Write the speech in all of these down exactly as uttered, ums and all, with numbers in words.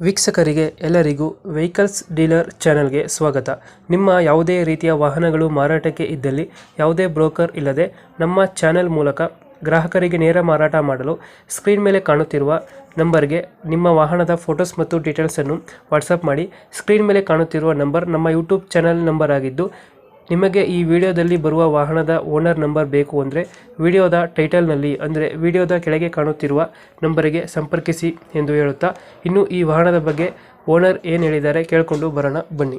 ವೀಕ್ಷಕರಿಗೆ ಎಲ್ಲರಿಗೂ vehicles dealer ಚಾನೆಲ್ಗೆ ಸ್ವಾಗತ. ನಿಮ್ಮ ಯಾವುದೇ ರೀತಿಯ ವಾಹನಗಳು ಮಾರಾಟಕ್ಕೆ ಇದ್ದಲ್ಲಿ ಯಾವುದೇ ಬ್ರೋಕರ್ ಇಲ್ಲದೆ ನಮ್ಮ ಚಾನೆಲ್ ಮೂಲಕ ಗ್ರಾಹಕರಿಗೆ ನೇರ ಮಾರಾಟ ಮಾಡಲು ಸ್ಕ್ರೀನ್ ಮೇಲೆ ಕಾಣುತ್ತಿರುವ ನಂಬರ್ಗೆ ನಿಮ್ಮ ವಾಹನದ ಫೋಟೋಸ್ ಮತ್ತು ಡೀಟೇಲ್ಸನ್ನು ವಾಟ್ಸಪ್ ಮಾಡಿ. ಸ್ಕ್ರೀನ್ ಮೇಲೆ ಕಾಣುತ್ತಿರುವ ನಂಬರ್ ನಮ್ಮ ಯೂಟ್ಯೂಬ್ ಚಾನೆಲ್ ನಂಬರ್ ಆಗಿದ್ದು, ನಿಮಗೆ ಈ ವಿಡಿಯೋದಲ್ಲಿ ಬರುವ ವಾಹನದ ಓನರ್ ನಂಬರ್ ಬೇಕು ಅಂದರೆ ವಿಡಿಯೋದ ಟೈಟಲ್ನಲ್ಲಿ ಅಂದರೆ ವಿಡಿಯೋದ ಕೆಳಗೆ ಕಾಣುತ್ತಿರುವ ನಂಬರಿಗೆ ಸಂಪರ್ಕಿಸಿ ಎಂದು ಹೇಳುತ್ತಾ, ಇನ್ನು ಈ ವಾಹನದ ಬಗ್ಗೆ ಓನರ್ ಏನು ಹೇಳಿದ್ದಾರೆ ಕೇಳಿಕೊಂಡು ಬರೋಣ ಬನ್ನಿ.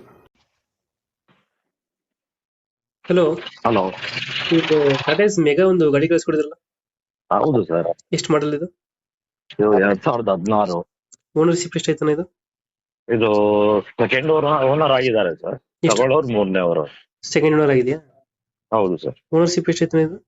ಹಲೋ ಹಲೋ, ಇದು ಟಾಟಾ ಮೆಗಾ ಒಂದು ಗಾಡಿ ಕಳಿಸ್ಕೊಡಿದ್ರಲ್ಲ, ಹೌದು ಸರ್. ಎಷ್ಟು ಮಾಡಲ್ ಇದು? ಇದು ಎರಡ್ ಸಾವಿರದ ಹದಿನಾರು. ಓನರ್ಶಿಪ್ ಎಷ್ಟು ಆಯ್ತಾನೆ ಇದು? ಇದು ಸೆಕೆಂಡ್ ಓನರ್ ಆಗಿದ್ದಾರೆ ಸರ್. ಎಷ್ಟು? ತಗೊಳ್ಳೋರು ಮೂರನೇ ಅವರು. ಸೆಕೆಂಡ್ ಓನರ್ ಆಗಿದೆಯಾ? ಹೌದು ಸರ್. ಓನರ್ಶಿಪ್ ಎಷ್ಟು ಆಯ್ತಾನೆ ಇದು?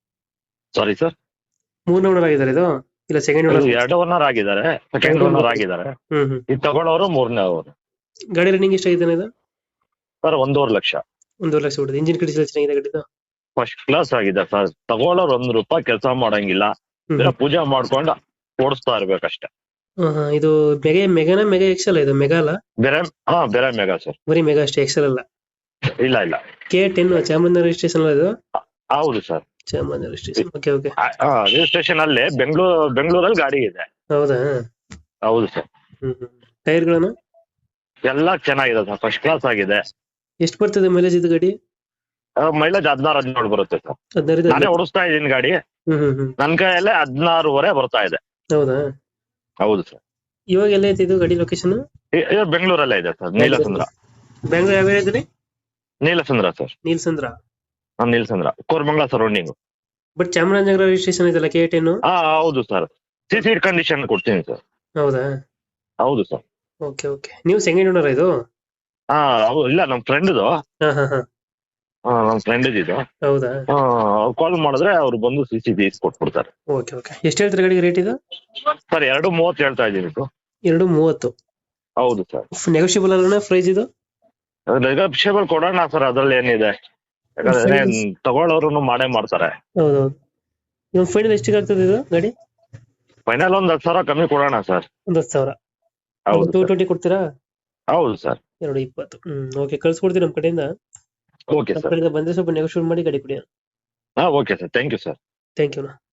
ಸಾರಿ ಸರ್, ಮೂರನೇ ಓನರ್ ಆಗಿದ್ದಾರೆ ಇದು, ಇಲ್ಲ ಸೆಕೆಂಡ್ ಓನರ್? ಎರಡು ಓನರ್ ಆಗಿದ್ದಾರೆ, ಸೆಕೆಂಡ್ ಓನರ್ ಆಗಿದ್ದಾರೆ. ಹ್ಮ್ ಹ್ಮ್ ಇದು ತಗೊಳ್ಳೋರು ಮೂರನೇ ಅವರು. ಗಾಡಿ ರನ್ನಿಂಗ್ ಎಷ್ಟು ಆಗಿದ್ದಾನೆ ಇದು? ಸರ್ ಒಂದೂವರೆ ಲಕ್ಷ. ಒಂದೂವರೆ ಲಕ್ಷ ಹೊಡೆದು. ಇಂಜಿನ್ ಕಂಡೀಷನ್ ಚೆನ್ನಾಗಿದೆ ಗಾಡಿದು? ಫಸ್ಟ್ ಕ್ಲಾಸ್ ಆಗಿದೆ ಸರ್. ತಗೊಳ್ಳೋರು ಒಂದ್ ರೂಪಾಯಿ ಕೆಲಸ ಮಾಡಂಗಿಲ್ಲ, ಹ್ಮ್ ಪೂಜೆ ಮಾಡ್ಕೊಂಡು ಓಡಿಸ್ತಾ ಇರ್ಬೇಕಷ್ಟೇ. ಹಾ ಹಾ ಇದು ಮೆಗಾ ಮೆಗಾನ ಮೆಗಾ ಎಕ್ಸೆಲ್ ಇದು? ಮೆಗಾ ಅಲ್ಲ, ಬೇರೆ ಹಾ ಬೇರೆ ಮೆಗಾ ಸರ್. ಬರೀ ಮೆಗಾ ಅಷ್ಟೇ, ಎಕ್ಸೆಲ್ ಅಲ್ಲ? ಇಲ್ಲ ಇಲ್ಲ, ಕೆ ಟೆನ್ ಚಾಮರಾಜನಗರ ರಿಜಿಸ್ಟ್ರೇಷನ್ ಅಲ್ಲ ಇದು? ಹೌದು sir. Chamarajanagar registration. Okay okay. Registration ಅಲ್ಲಿ ಬೆಂಗಳೂರು ಬೆಂಗಳೂರಲ್ಲಿ ಗಾಡಿ ಇದೆ. ಹೌದಾ? ಹೌದು ಸರ್. ಹ್ಮ್ ಹ್ಮ್ ಟೈರ್ಗಳನ್ನು ಎಲ್ಲ ಚೆನ್ನಾಗಿದೆ ಸರ್, ಫಸ್ಟ್ ಕ್ಲಾಸ್ ಆಗಿದೆ. ಎಷ್ಟು ಬರ್ತದೆ ಮೈಲೇಜ್ ಇದು ಗಾಡಿ? ಮೈಲೇಜ್ ಹದಿನಾರು ಹದಿನೇಳು ಬರುತ್ತೆ ಸರ್. ಹದಿನಾರು? ನಾನೇ ಓಡಿಸ್ತಾ ಇದ್ದೀನಿ ಗಾಡಿ. ಹ್ಮ್ ಹ್ಮ್ ಹ್ಮ್ ನನ್ ಕೈಯಲ್ಲೇ ಹದಿನಾರುವರೆ ಬರ್ತಾ ಇದೆ. ಹೌದಾ? ಹೌದು ಸರ್. ಇವಾಗ ಎಲ್ಲ ಐತೆ ಇದು ಗಾಡಿ ಲೊಕೇಶನ್? ಬೆಂಗಳೂರಲ್ಲೇ ಇದೆ ಸರ್, ನೀಲಸಂದ್ರ. ಬ್ಯಾಂಗ್ಳೂರ್ ಯಾವ ಹೇಳಿದ್ರಿ? ನೀಲಸಂದ್ರ ಸರ್. ನೀಲಸಂದ್ರ? ಹಾ Neelasandra, Koramangala surrounding. But Chamarajanagar registration ಇದೆಲ್ಲ ಕೆ ಟೆನ್? ಹಾ ಹೌದು ಸರ್. ಸಿ ಸೀಟ್ ಕಂಡೀಷನ್ ಕೊಡ್ತೀನಿ ಸರ್. ಹೌದಾ? ಹೌದು ಸರ್. Okay okay. ನೀವು ಸೆಕೆಂಡ್ ಓನರ್ ಇದು? ಹಾ ಇಲ್ಲ, ನಮ್ ಫ್ರೆಂಡ್ದು. ಹಾ ಹಾ ಹಾ ನಮ್ ಫ್ರೆಂಡ್ ಇದು. ಹೌದಾ? ಕಾಲ್ ಮಾಡಿದ್ರೆ ಅವ್ರು ಬಂದು ಸಿ ಸಿ ಟಿ ಕೊಟ್ಬಿಡ್ತಾರೆ. Okay okay. ಎಷ್ಟು ಹೇಳ್ತಾರೆ ಗಾಡಿಗೆ ರೇಟ್ ಇದು? ಸರ್ ಎರಡು ಮೂವತ್ತು ಹೇಳ್ತಾ ಇದ್ದೀನಿ ಸರ್. ಎರಡು ಮೂವತ್ತು? ಹೌದು ಸರ್. ನೆಗೋಷಿಯಬಲ್ ಅಲ್ಲ ಪ್ರೈಸ್ ಇದು? ನೆಗೋಷಿಯಬಲ್ ಕೊಡೋಣ ಸರ್, ಅದ್ರಲ್ಲಿ ಏನಿದೆ. ಯಾಕಂದ್ರೆ ತಗೊಳ್ಳೋರು ಮಾಡೇ ಮಾಡ್ತಾರೆ. ಹೌದೌದು. ಇವಾಗ ಫೈನಲ್ ಎಷ್ಟಿಗೆ ಆಗ್ತದೆ ಇದು ಗಾಡಿ? ಫೈನಲ್ ಒಂದ್ ಹತ್ತು ಸಾವಿರ ಕಮ್ಮಿ ಕೊಡೋಣ ಸರ್. ಒಂದ್ ಹತ್ತು ಸಾವಿರ? ಹೌದು ಟೂ ಸರ್. ಟ್ವೆಂಟಿ ಕೊಡ್ತೀರಾ? ಹೌದು ಸರ್. ಎರಡು ಇಪ್ಪತ್ತು. ಹ್ಮ್ ಓಕೆ, ಕಳ್ಸ್ಕೊಡ್ತೀವಿ ನಮ್ಮ ಕಡೆಯಿಂದ. ಓಕೆ ನಮ್ಮ ಸರ್. ಕಡೆಯಿಂದ ಬಂದ್ರೆ ಸ್ವಲ್ಪ ನೆಗೋಷಿಯೇಟ್ ಮಾಡಿ ಗಾಡಿ ಕೊಡಿ. ಹಾ okay sir, thank you sir. Thank you.